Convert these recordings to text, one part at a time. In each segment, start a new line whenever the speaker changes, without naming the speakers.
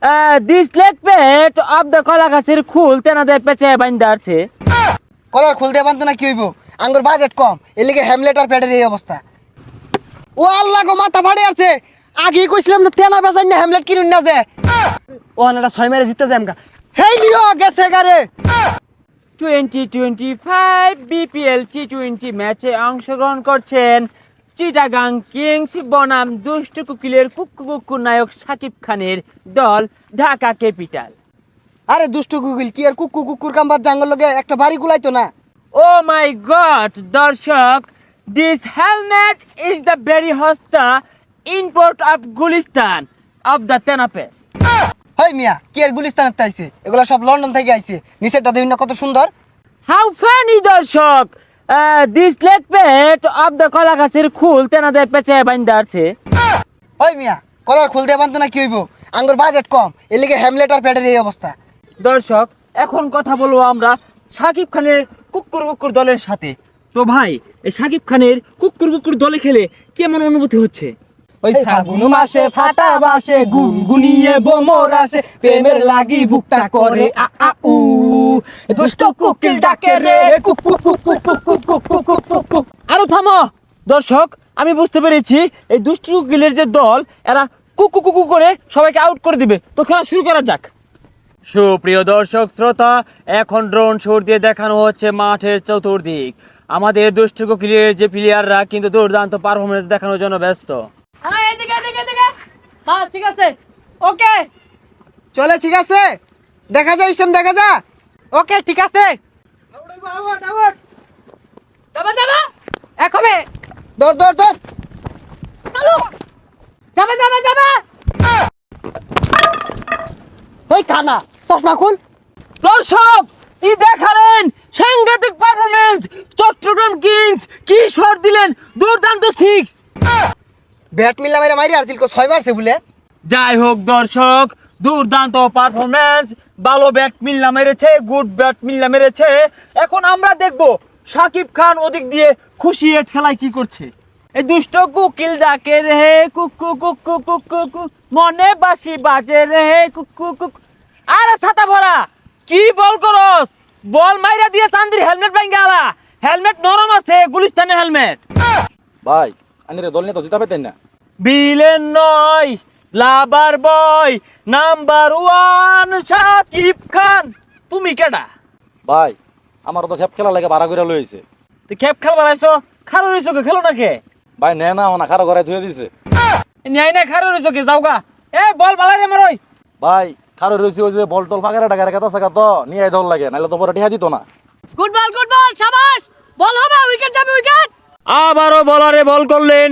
This leg পেট of the কলা গাছের খুল তেনাদের পেঁচে বাইন্দা আছে।
কলার খুলতে পারতো না কি হইব, আঙ্গুর বাজেট কম, এর লিগে হ্যামলেট আর প্যাডের এই অবস্থা। ও আল্লাহ গো, মাথা ফাড়ে আছে। আগেই কইছিলাম যে তেনা বেচাই না হ্যামলেট কিনুন না যে। ও এটা 6 মেরে জিততে যায় আমকা। হেই লিও গেছে গারে।
2025 বিপিএল টি20 ম্যাচে অংশগ্রহণ করছেন চিটাগাং কিংস বনাম দুষ্টু কুকিলের কুক্কু কুক্কু নায়ক শাকিব খানের দল ঢাকা ক্যাপিটাল।
আরে দুষ্টু গুগল কি আর কুকুর কুকুর কাম্বার জাঙ্গল লগে একটা বাড়ি গুলাইতো না।
ও মাই গড দর্শক, this helmet is the very হস্তা import of Gulistan of the তেনাপেস।
হেই মিয়া, কি আর গুলিস্তানের তাইছে, এগুলা সব লন্ডন থেকে আইছে। নিচেরটা দেখুন না কত সুন্দর।
হাউ ফানি দর্শক, দিস লেগ পেট অফ দ্য কলা গাছের খুল তেনাদের পেঁচে বাইন্দা আছে।
হেই মিয়া, কলার খুলতে পারতো না কি হইব, আঙ্গুর বাজেট কম, এর লিগে হ্যামলেট আর প্যাডের এই অবস্থা।
দর্শক, এখন কথা বলবো আমরা শাকিব খানের কুক্কুর কুক্কুর দলের সাথে। তো ভাই, এই শাকিব খানের কুক্কুর কুক্কুর দলে খেলে কেমন অনুভূতি হচ্ছে?
ওই ফাগুন মাসে ফাটা বাসে গুনগুনিয়ে বোমর আসে, প্রেমের লাগি বুকটা করে আ আ উ, দুষ্ট কোকিল ডাকে রে কুক কুক কুক কুক কুক কুক কুক কুক কুক কুক কুক।
আরো থামো দর্শক, আমি বুঝতে পেরেছি এই দুষ্টু কুকিলের যে দল, এরা কুকু কুকু করে সবাইকে আউট করে দিবে। তো খেলা শুরু করা যাক। সুপ্রিয় দর্শক শ্রোতা, এখন ড্রোন শট দিয়ে দেখানো হচ্ছে মাঠের চতুর্দিক। আমাদের দুষ্টু কুকিলের যে প্লেয়াররা কিন্তু দুর্দান্ত পারফরমেন্স দেখানোর জন্য ব্যস্ত।
এদিকে এদিকে এদিকে বাস, ঠিক আছে, ওকে
চলে, ঠিক আছে, দেখা যায় ইসম, দেখা যা।
ওকে ঠিক আছে, যাবা যাবা একবে
দর দর দর।
চালু, যাবা যাবা যাবা।
ওই কানা, চশমা খুল।
দর্শক, কি দেখালেন সাংঘাতিক পারফরমেন্স! চট্টগ্রাম কিংস কি শট দিলেন, দুর্দান্ত সিক্স।
ব্যাট মিল্লা মেরে মারি আসছিল, 6 মারছে বলে।
যাই হোক দর্শক, দুর্দান্ত পারফরমেন্স, ভালো ব্যাট মিল্লা মেরেছে, গুড ব্যাট মিল্লা মেরেছে। এখন আমরা দেখব শাকিব খান ওদিক দিয়ে খুশি এ ঠেলায় কি করছে। এই দুষ্ট কুকিল ডাকে রে কুকু কুকু কুকু কুক, মনে বাসি বাজে রে কুকু কুক। আরে ছাতা ভরা, কি বল করস? বল মাইরা দিয়ে চান্দির হেলমেট ভাঙ্গে আলা। হেলমেট নরম আছে, গুলিস্তানের হেলমেট।
ভাই আনিরে দল নিয়ে তো জিতা পেতেন না।
বিলেন নয়, লাভার বয় নাম্বার 1 শাকিব খান। তুমি কেডা?
ভাই আমার তো খেপ খেলা লাগে ভাড়া করে লইছে।
তুই খেপ খেলবার আইছো? খারো রইছো কে, খেলো না কে?
ভাই নে না ওনা খারো ঘরে ধুয়ে দিছে।
ন্যায় না খারো রইছো কে, যাওগা। এ বল বালাই রে মারই।
ভাই খারো রইছে ওই যে বল টল ফাঁকা টাকা কথা সাকা তো নিয়ে দল লাগে, নাইলে তো পরে টিহা দিত না।
গুড বল, শাবাশ, বল হবে, উইকেট যাবে, উইকেট।
আবারও বলারে বল করলেন।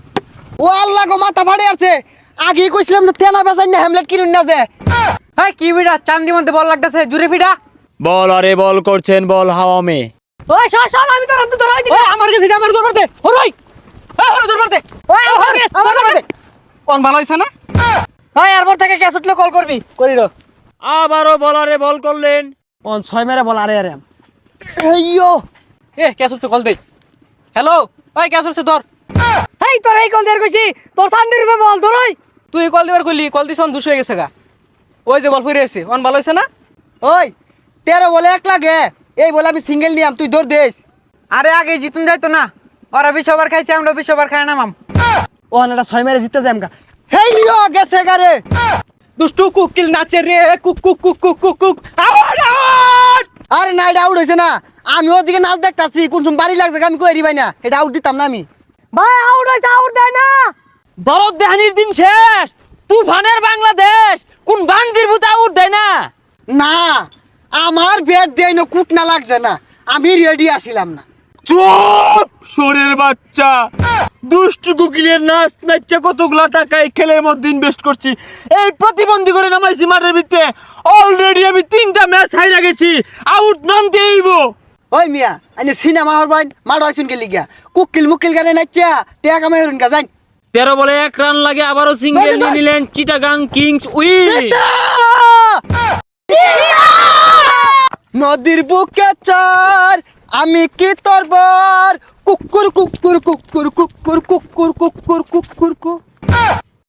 ও আল্লাহ গো, মাথা ফাড়ে আছে। আগেই কইছিলাম যে তেনা বেচাই না হ্যামলেট কিনুন না যে।
হ্যাঁ কি বিড়া, চান্দি মধ্যে বল লাগতেছে, জুরে ফিডা।
বলারে বল করছেন, বল হাওয়া মে।
ওই সর আমি তো ধরাই দিই। আমার কাছে আমার দরবার দে, হরই হরই দরবার দে। ওই আমার দরবার দে।
কোন ভালো হইছে না?
ওই এরপর থেকে ক্যাচ উঠলে কল করবি, করিল।
আবারও বলারে বল করলেন।
কোন 6 মেরে বল। আরে আরে এইয়ো,
এ ক্যাচ উঠছে, কল দে। হ্যালো, ওই ক্যাচ উঠছে, ধর। এই তোর এই কল দেয়ার কইছি, তোর চান্দির রূপে বল ধরই। তুই কল দিবার কইলি, কল দিছ 200 হয়ে গেছে গা। ওই যে বল ফিরে এসে অন ভালো হইছে না?
ওই 13 বলে 1 লাগে, এই বলে আমি সিঙ্গেল নিয়াম, তুই দৌড় দেস।
আরে আগে জিতুন যাইতো না, ওরা 20 ওভার খাইছে, আমরা 20 ওভার খাই নামাম।
ও এটা 6 মেরে জিততে যায় আমকা। হেই লিও গেছে গারে।
দুষ্টু কুকিল নাচে রে কুক কুক কুক কুক কুক কুক। Out out.
আরে না, এটা আউট হইছে না। আমি ওদিকে নাচ দেখতাছি, কোন সময় বাড়ি লাগছে আমি কই ভাই না, এটা আউট দিতাম না আমি।
ভাই আউট হইছে, আউট দেয় না।
দরদ দেহানির দিন শেষ, তুফানের বাংলাদেশ কোন বান্দির ভূত আউট দেয় না।
না, আমার ব্যাট দেয় না, কুট না লাগছে না, আমি রেডি আসিলাম না।
চুপ শোরের বাচ্চা, দুষ্টু কুকিলের নাচ নাচছে কতগুলা টাকা এই খেলের মধ্যে ইনভেস্ট করছি, এই প্রতিবন্ধী করে নামাইছি মাঠের ভিতরে। অলরেডি আমি 3টা ম্যাচ হাইরা গেছি, আউট নন দেইব।
ওই মিয়া, আইনে সিনেমা হর ভাই মাড হইছুন কে লিগা, কুকিল মুকিল গানে নাচা টেয়া কামাই হরুন গা যাই।
13 বলে 1 রান লাগে, আবারও সিঙ্গেল নিয়ে নিলেন চিটাগাং কিংস উইন।
নদীর বুকে চর, আমি কি তোর বর, কুকুর কুকুর কুকুর কুকুর কুকুর কুকুর কুকুর কুকুর।